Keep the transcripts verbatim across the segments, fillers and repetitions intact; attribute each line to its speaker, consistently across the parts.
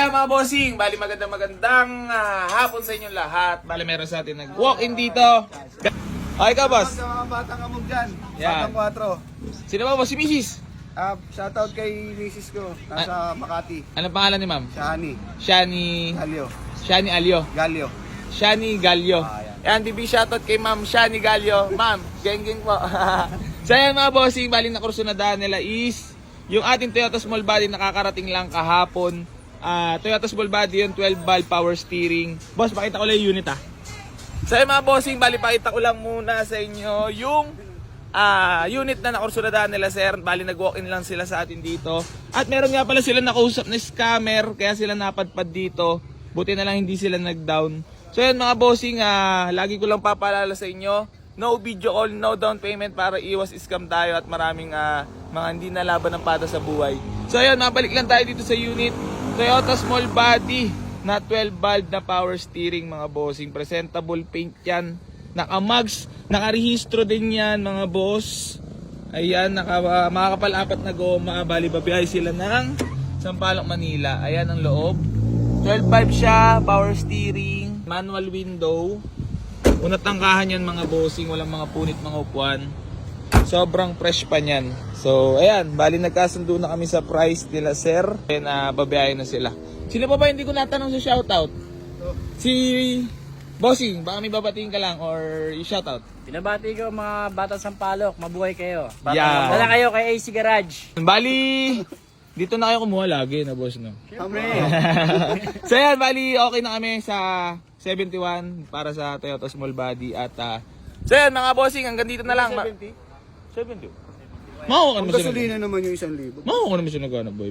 Speaker 1: ayan mga bossing, bali magandang magandang uh, hapon sa inyong lahat. Bali meron sa atin nag-walk-in dito. Okay ka, boss?
Speaker 2: Sa mga batang amog dyan,
Speaker 1: Yan.
Speaker 2: batang kwatro.
Speaker 1: Sino ba, boss? Si Missus?
Speaker 2: Uh, shoutout kay misis ko, nasa Makati.
Speaker 1: Anong pangalan ni ma'am?
Speaker 2: Shani.
Speaker 1: Shani...
Speaker 2: Galio.
Speaker 1: Shani Alio.
Speaker 2: Galio.
Speaker 1: Shani Galio.
Speaker 2: Ah, yan.
Speaker 1: Ayan, B B shoutout kay ma'am Shani Galio. Ma'am, geng-geng po. So ayan mga bossing, bali na kurso na daan nila is yung ating Toyota Small Body nakakarating lang kahapon. Uh, Toyota Small Body yun, twelve valve power steering. Boss, pakita ko lang yung unit ah. So ayan mga bossing, bali pakita ko lang muna sa inyo yung uh, unit na nakursuladaan nila sir. Bali nag-walk-in lang sila sa atin dito. At meron nga pala sila nakausap na scammer, kaya sila napadpad dito. Buti na lang hindi sila nag-down. So ayan mga bossing, uh, lagi ko lang papaalala sa inyo, no video call, no down payment para iwas scam tayo at maraming uh, mga hindi nalaban ng pata sa buhay. So ayan, mabalik lang tayo dito sa unit. Toyota Small Body na twelve valve na power steering mga bossing. Presentable paint yan. Naka-mags, nakarehistro din yan mga boss. Ayan, naka, uh, makakapal-apat na goma. Bali babiyahe sila ng Sampaloc, Manila. Ayan ang loob. twelve valve siya, power steering, manual window. Unat tangkahan yan mga bossing, walang mga punit, mga upuan. Sobrang fresh pa niyan. So, ayan, bali nagkasundo na kami sa price nila, sir. Ayan, uh, babiyahin na sila. Sino pa ba hindi ko natanong sa shoutout? Si Bossing, baka may babatiin ka lang or i-shoutout.
Speaker 3: Binabati ko mga batang Sampaloc, mabuhay kayo.
Speaker 1: Yeah.
Speaker 3: Dala kayo kay A C Garage.
Speaker 1: Bali, dito na kayo kumuha lagi na boss, no?
Speaker 2: Siyempre.
Speaker 1: So ayan, bali okay na kami sa seventy-one para sa Toyota Small Body at uh, so ayan mga bossing, hanggang dito na lang.
Speaker 2: seventy?
Speaker 1: seventy. Makuha ka
Speaker 2: Ang
Speaker 1: naman siya.
Speaker 2: gasolina naman yung isang libo.
Speaker 1: Makuha ka naman siya naghanap boy.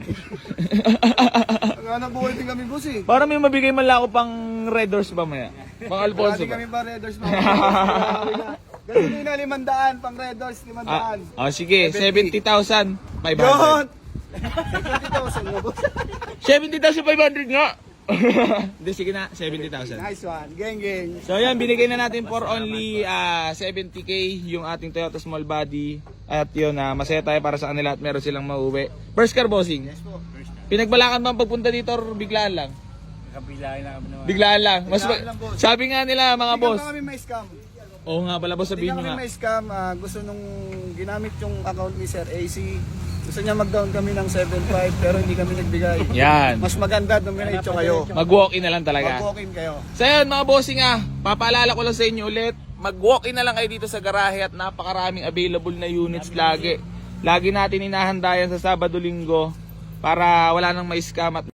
Speaker 2: Naghanap buhay din kami, boss eh.
Speaker 1: Para may mabigay man lang ako pang Red Doors ba maya? Pang Alfonso
Speaker 2: Dati
Speaker 1: ba?
Speaker 2: kami pa Red Doors mga gasolina limandaan, pang Red Doors limandaan.
Speaker 1: Ah, oh, sige, seventy thousand five
Speaker 2: Yun!
Speaker 1: hundred.
Speaker 2: seventy thousand na, boss.
Speaker 1: seventy thousand five hundred nga! Hindi, sige na, seventy thousand.
Speaker 2: Nice one. Geng, geng.
Speaker 1: So yan, binigay na natin for only uh, seventy K yung ating Toyota Small Body. At yun, uh, masaya tayo para sa kanila at meron silang mauwi. First car, bossing?
Speaker 2: Yes po.
Speaker 1: Pinagbalakan ba ang pagpunta dito or biglaan lang?
Speaker 3: Kabilahin lang kami naman.
Speaker 1: Biglaan lang. Mas
Speaker 2: Biglaan lang, boss.
Speaker 1: sabi nga nila mga
Speaker 2: Hindi
Speaker 1: boss.
Speaker 2: ka kami may scam.
Speaker 1: Oo nga pala boss,
Speaker 2: Hindi
Speaker 1: sabihin nyo
Speaker 2: kami
Speaker 1: nga.
Speaker 2: may scam. Ah, gusto nung ginamit yung account ni Sir A C. Gusto niya mag-down kami ng seven five pero hindi kami nagbigay.
Speaker 1: Yan.
Speaker 2: Mas maganda nung minitso kayo.
Speaker 1: Mag-walk-in na lang talaga.
Speaker 2: Mag-walk-in kayo.
Speaker 1: So yun mga bossing ah, papaalala ko lang sa inyo ulit, mag-walk-in na lang kayo dito sa garahe at napakaraming available na units lagi. Lagi natin inahanda yan sa Sabado Linggo para wala nang may scam at